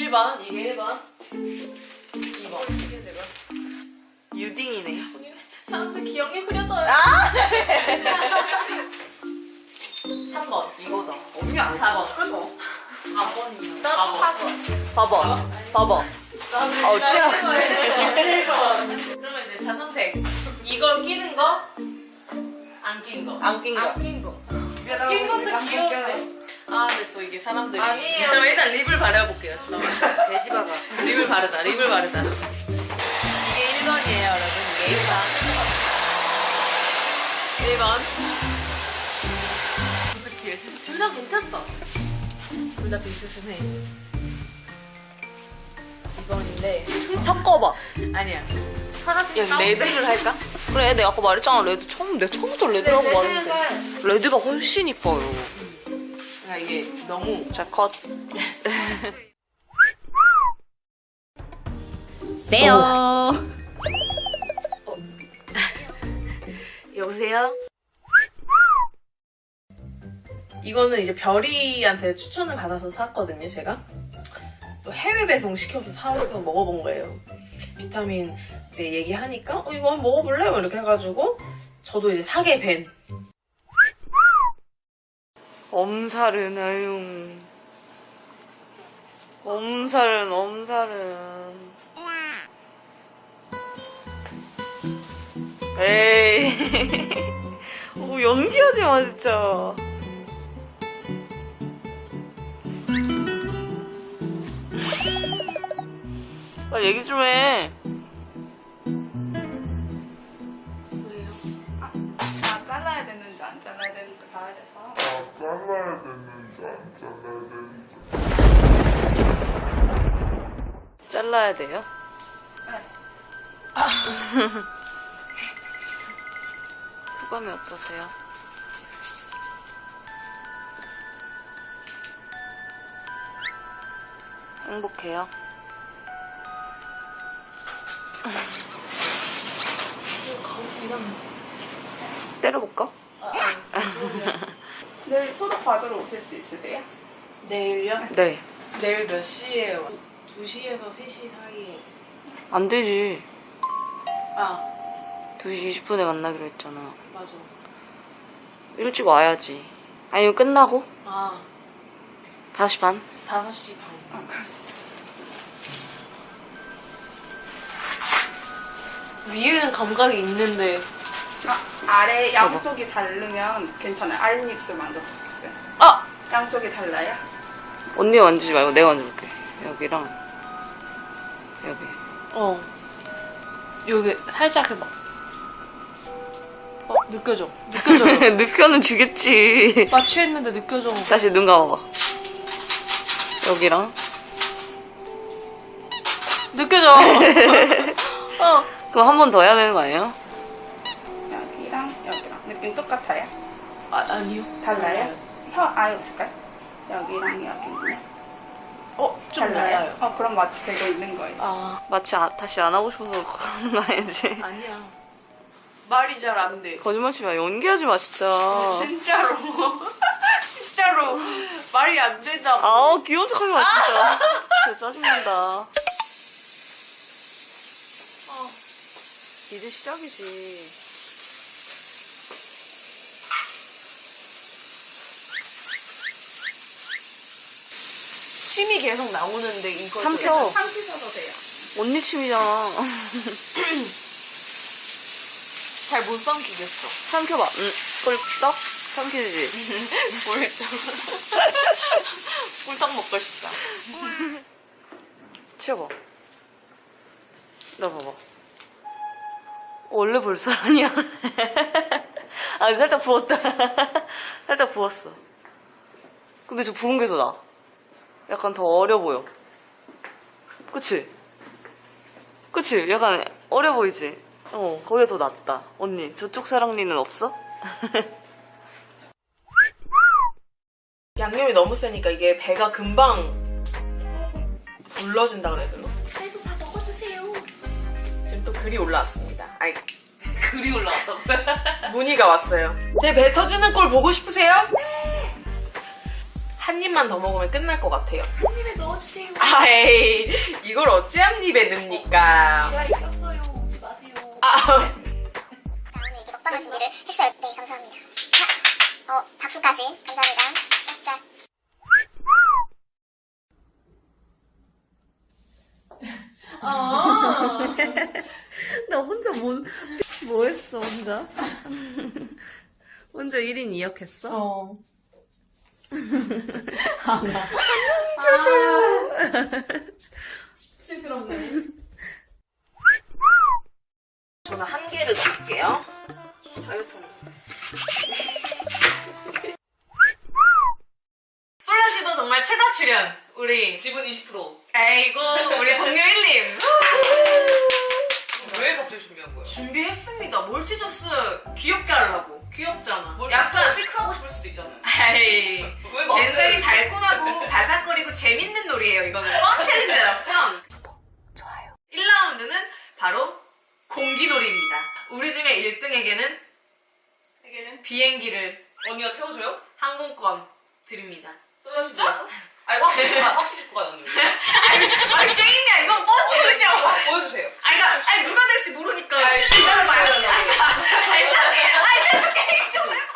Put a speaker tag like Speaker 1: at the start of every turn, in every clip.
Speaker 1: 1번, 이게 1번. 2번. 이게 내가.
Speaker 2: 유딩이네.
Speaker 1: 사람들 기억이 흐려져요. 3번.
Speaker 2: 이거다.
Speaker 1: 언니 안 4번. 끊어. 4번이요.
Speaker 2: 나도
Speaker 1: 4번.
Speaker 2: 봐봐. 봐봐. 아우, 찌야.
Speaker 1: 1번. 그러면 이제 자선택. 이걸 끼는 거, 안 낀 거.
Speaker 2: 안 낀 거.
Speaker 3: 안 낀 거.
Speaker 1: 낀 것도 귀여운데. 아, 근데 또 이게 사람들이.
Speaker 3: 아니에요.
Speaker 1: 잠깐만, 일단 립을 바려볼게요. 잠깐만.
Speaker 2: 돼지바가.
Speaker 1: 립을 바르자, 립을 바르자. 이게 1번이에요, 여러분. 이게 1번. 1번. 무스킬.
Speaker 3: 둘 다 괜찮다.
Speaker 1: 둘 다 비슷해. 2번인데.
Speaker 2: 섞어봐.
Speaker 1: 아니야.
Speaker 3: 사라진
Speaker 1: 여기 레드를 할까?
Speaker 2: 그래, 내가 아까 말했잖아. 레드 내가 처음부터 레드라고 말했는데. 레드가 훨씬 이뻐요.
Speaker 1: 아, 이게 너무.
Speaker 2: 자, 컷.
Speaker 3: 세요.
Speaker 1: 여보세요? 이거는 이제 별이한테 추천을 받아서 샀거든요, 제가. 또 해외 배송 시켜서 사와서 먹어본 거예요. 비타민 이제 얘기하니까, 이거 한번 먹어볼래? 뭐 이렇게 해가지고, 저도 이제 사게 된.
Speaker 2: 엄살은, 아유. 엄살은. 에이. 오, 연기하지 마, 진짜. 나 얘기 좀 해.
Speaker 1: 왜요?
Speaker 3: 아, 잘라야 되는지 안 잘라야 되는지 봐야 돼서.
Speaker 4: 잘라야 되는지 안 잘라야 되는지.
Speaker 2: 잘라야 돼요? 소감이 어떠세요? 행복해요? 때려볼까?
Speaker 3: 내일 소독 받으러 오실 수 있으세요?
Speaker 1: 내일요?
Speaker 2: 네.
Speaker 1: 내일 몇 시에 2시에서 3시 사이에.
Speaker 2: 안 되지.
Speaker 1: 아,
Speaker 2: 2시 20분에 만나기로 했잖아.
Speaker 1: 맞아.
Speaker 2: 일찍 와야지. 아니면 끝나고?
Speaker 1: 아,
Speaker 2: 5시 반?
Speaker 1: 5시 반. 위에는 감각이 있는데.
Speaker 3: 아래 양쪽이 다르면 괜찮아요. 아랫입술 만져보시겠어요?
Speaker 1: 아!
Speaker 3: 양쪽이 달라요?
Speaker 2: 언니가 만지지 말고 내가 만져볼게. 여기랑 여기.
Speaker 1: 여기 살짝 해봐. 느껴져. 느껴져요.
Speaker 2: 느껴는 주겠지.
Speaker 1: 마취했는데 느껴져.
Speaker 2: 다시 눈 감아봐. 여기랑.
Speaker 1: 느껴져.
Speaker 2: 그럼 한 번 더 해야 되는 거 아니에요?
Speaker 3: 여기랑 여기랑 느낌 똑같아요?
Speaker 1: 아니요.
Speaker 3: 달라요? 혀 아예 없을까요? 여기랑 여기는
Speaker 1: 좀 달라요.
Speaker 3: 그럼 마취 되고 있는 거예요.
Speaker 1: 아,
Speaker 2: 마치 다시 안 하고 싶어서 그러는 거 아니지?
Speaker 1: 아니야. 말이 잘 안 돼.
Speaker 2: 거짓말치지 마. 연기하지 마, 진짜.
Speaker 1: 진짜로. 진짜로. 말이 안 된다고.
Speaker 2: 아우, 귀여운 척 하지 마, 진짜. 진짜 짜증난다. 이제 시작이지.
Speaker 1: 침이 계속 나오는데 이거
Speaker 2: 삼켜.
Speaker 3: 삼키셔도 돼요.
Speaker 2: 언니 침이잖아.
Speaker 1: 잘 못 삼키겠어.
Speaker 2: 삼켜봐. 꿀떡? 삼키지.
Speaker 1: 꿀떡. 꿀떡 먹고 싶다.
Speaker 2: 치워봐. 나 봐봐. 원래 볼살 아니야. 아, 살짝 부었다. 살짝 부었어. 근데 저 부은 게 더 나. 약간 더 어려 보여. 그치? 그치? 약간 어려 보이지? 거기가 더 낫다. 언니, 저쪽 사랑니는 없어?
Speaker 1: 양념이 너무 세니까 이게 배가 금방 불러진다 그래야 되나?
Speaker 3: 그래도 다 먹어주세요.
Speaker 1: 지금 또 글이 올라왔습니다. 아이,
Speaker 2: 글이 올라왔다고.
Speaker 1: 문의가 왔어요. 제 배 터지는 꼴 보고 싶으세요? 네! 한 입만 더 먹으면 끝날 것 같아요.
Speaker 3: 한 입에 넣어주세요.
Speaker 1: 아이, 이걸 어찌 한 입에 넣습니까?
Speaker 3: 지하 있었어요. 오지 마세요.
Speaker 1: 아,
Speaker 5: 자, 오늘 이렇게 먹방을 준비를 했어요. 네, 감사합니다. 자, 박수까지. 감사합니다. 짝짝.
Speaker 2: 나 혼자 뭐 했어, 혼자? 혼자 1인 2역 했어?
Speaker 1: 어. 시스럽네. 저는 한 개를 넣을게요. 다이어트는. 솔라씨도 정말 최다 출연. 우리
Speaker 2: 지분 20%.
Speaker 1: 아이고 우리 동료 1님.
Speaker 2: 왜 갑자기 준비한 거야?
Speaker 1: 준비했습니다. 몰티저스 귀엽게 하려고. 귀엽잖아.
Speaker 2: 약간 시크하고 싶을 수도 있잖아요.
Speaker 1: 아이,
Speaker 2: 왜 막-
Speaker 1: 굉장히 달콤하고 바삭거리고 재밌는 놀이에요. 이거는 펀 챌린지라 펀. 좋아요. 1라운드는 바로 공기놀이입니다. 우리 중에 1등에게는 비행기를
Speaker 2: 언니가 태워줘요?
Speaker 1: 항공권 드립니다.
Speaker 2: 진짜? 아니 확실히 줄 거야 언니.
Speaker 1: 아니 게임이야. 이건 펀 챌린지야.
Speaker 2: 보여주세요.
Speaker 1: 아니 누가 될지 모르니까
Speaker 2: 아니,
Speaker 1: 기다려봐요.
Speaker 2: 진짜.
Speaker 1: 아니 계속 게임 좀 해봐.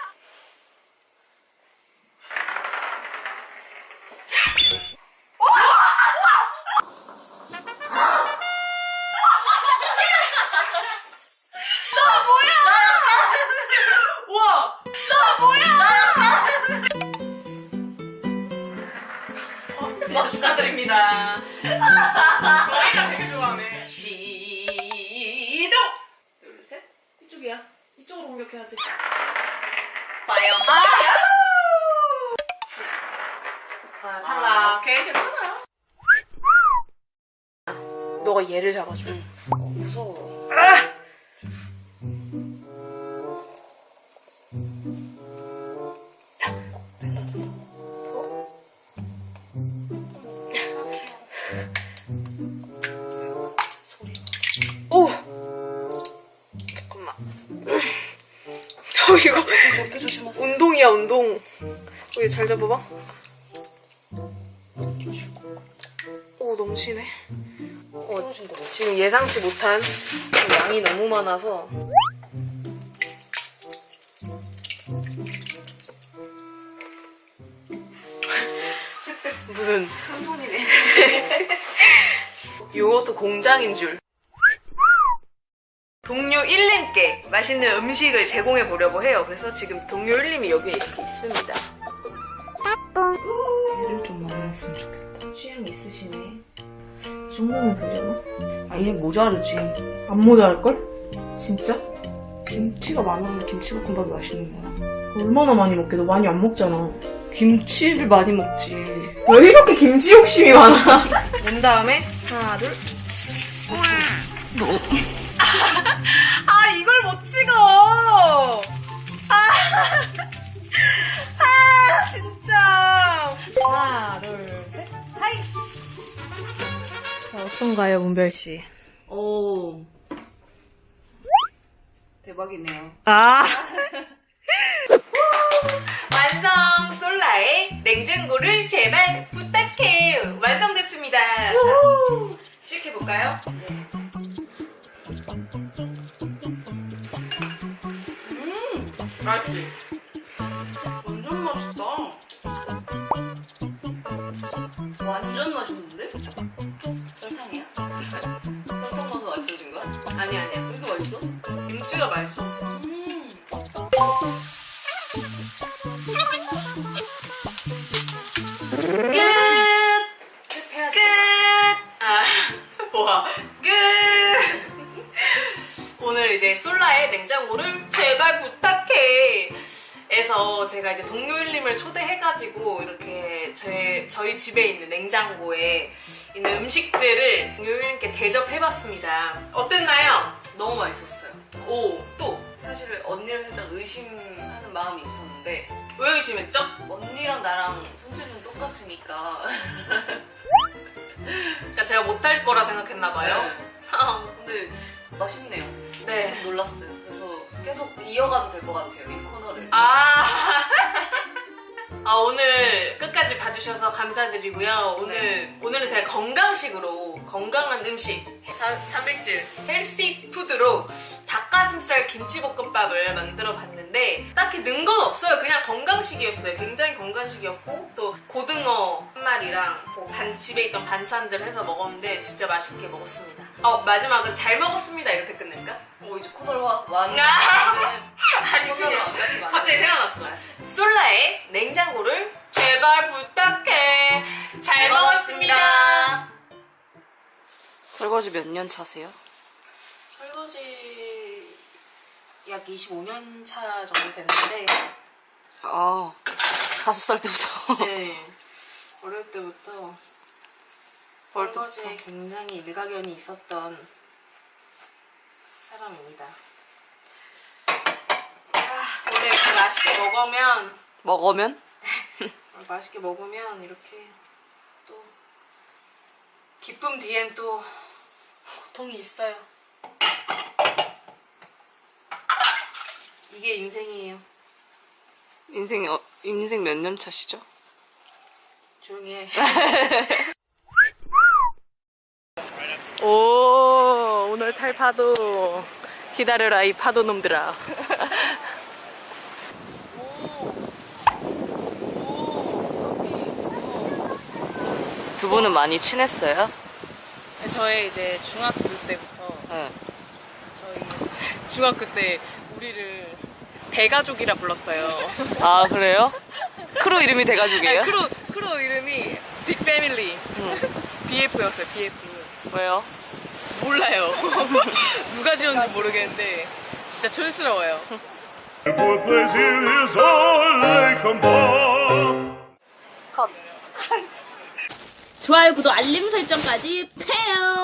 Speaker 2: 우와!
Speaker 1: 나 축하드립니다. 저희가 되게 좋아하네. 시작! 둘, 셋. 이쪽이야. 이쪽으로 공격해야지. 빠염. 탈락.
Speaker 2: 오케이 괜찮아요.
Speaker 1: 너가 얘를 잡아줘.
Speaker 2: 무서워.
Speaker 1: 오! 잠깐만. 이거 운동이야, 운동. 얘 잘 잡아봐. 오, 넘치네. 지금 예상치 못한 양이 너무 많아서. 무슨
Speaker 2: 큰 손이네.
Speaker 1: 요것도 공장인 줄. 동료 1님께 맛있는 음식을 제공해 보려고 해요. 그래서 지금 동료 1님이 여기에 이렇게 있습니다. 얘를 좀 많이 했으면 좋겠다. 취향 있으시네. 이 정도면 되려나? 아, 얘 모자르지. 안 모자랄걸? 진짜? 김치가 많으면 김치볶음밥이 맛있는 거야. 얼마나 많이 먹게? 너 많이 안 먹잖아. 김치를 많이 먹지. 왜 이렇게 김치 욕심이 많아? 문 다음에 하나, 둘. 아, 이걸 못 찍어! 진짜! 하나, 둘, 셋, 하이! 자, 어떤가요, 문별씨?
Speaker 2: 오. 대박이네요.
Speaker 1: 아! 완성! 솔라의 냉장고를 제발 부탁해! 완성됐습니다! 시작해볼까요? 맛있지? 완전 맛있다.
Speaker 2: 완전 맛있는데? 설탕이야? 설탕 넣어서 맛있어진 거야?
Speaker 1: 아니야.
Speaker 2: 왜 이렇게 맛있어?
Speaker 1: 김치가 맛있어. 끝!
Speaker 3: 해야지.
Speaker 1: 끝! 아, 뭐야. 끝! 오늘 이제 솔라의 냉장고를 제발 부탁해! 에서 제가 이제 동료 1님을 초대해가지고 이렇게 저희 집에 있는 냉장고에 있는 음식들을 동료 1님께 대접해봤습니다. 어땠나요?
Speaker 2: 너무 맛있었어요.
Speaker 1: 오, 또!
Speaker 2: 사실 언니를 살짝 의심하는 마음이 있었는데
Speaker 1: 왜 의심했죠?
Speaker 2: 언니랑 나랑 손재주는 똑같으니까
Speaker 1: 그러니까 제가 못할 거라 생각했나봐요.
Speaker 2: 근데 맛있네요.
Speaker 1: 네.
Speaker 2: 놀랐어요. 그래서 계속 이어가도 될 것 같아요, 이 코너를.
Speaker 1: 아. 오늘 끝까지 봐주셔서 감사드리고요. 오늘은 제가 건강식으로 건강한 음식, 단백질, 헬시 푸드로 닭가슴살 김치볶음밥을 만들어 봤는데 딱히 는 건 없어요. 그냥 건강식이었어요. 굉장히 건강식이었고 또 고등어 한 마리랑 뭐 집에 있던 반찬들 해서 먹었는데 진짜 맛있게 먹었습니다. 마지막은 잘 먹었습니다 이렇게 끝낼까?
Speaker 2: 이제 코너를 완.
Speaker 1: 아니 그냥 갑자기 생각났어. 솔라의 냉장고를 제발 부탁해. 잘 먹었습니다.
Speaker 2: 설거지 몇 년 차세요?
Speaker 1: 설거지 약 25년 차 정도 됐는데
Speaker 2: 5살 때부터.
Speaker 1: 네 어릴 때부터 설거지에 굉장히 일가견이 있었던 사람입니다. 원래 이렇게 맛있게 먹으면 이렇게 또 기쁨 뒤엔 또 고통이 있어요. 이게 인생이에요.
Speaker 2: 인생 몇 년 차시죠?
Speaker 1: 조용히 해.
Speaker 2: 오늘 탈 파도. 기다려라, 이 파도 놈들아. 두 분은 많이 친했어요?
Speaker 1: 저의 이제 중학교 때부터
Speaker 2: 네.
Speaker 1: 저희 중학교 때 우리를 대가족이라 불렀어요.
Speaker 2: 아, 그래요? 크루 이름이 대가족이에요?
Speaker 1: 크루 이름이 빅 패밀리. BF였어요. BF.
Speaker 2: 왜요?
Speaker 1: 몰라요. 누가 지었는지 모르겠는데 진짜 촌스러워요.
Speaker 2: 컷.
Speaker 6: 좋아요, 구독, 알림 설정까지 패요.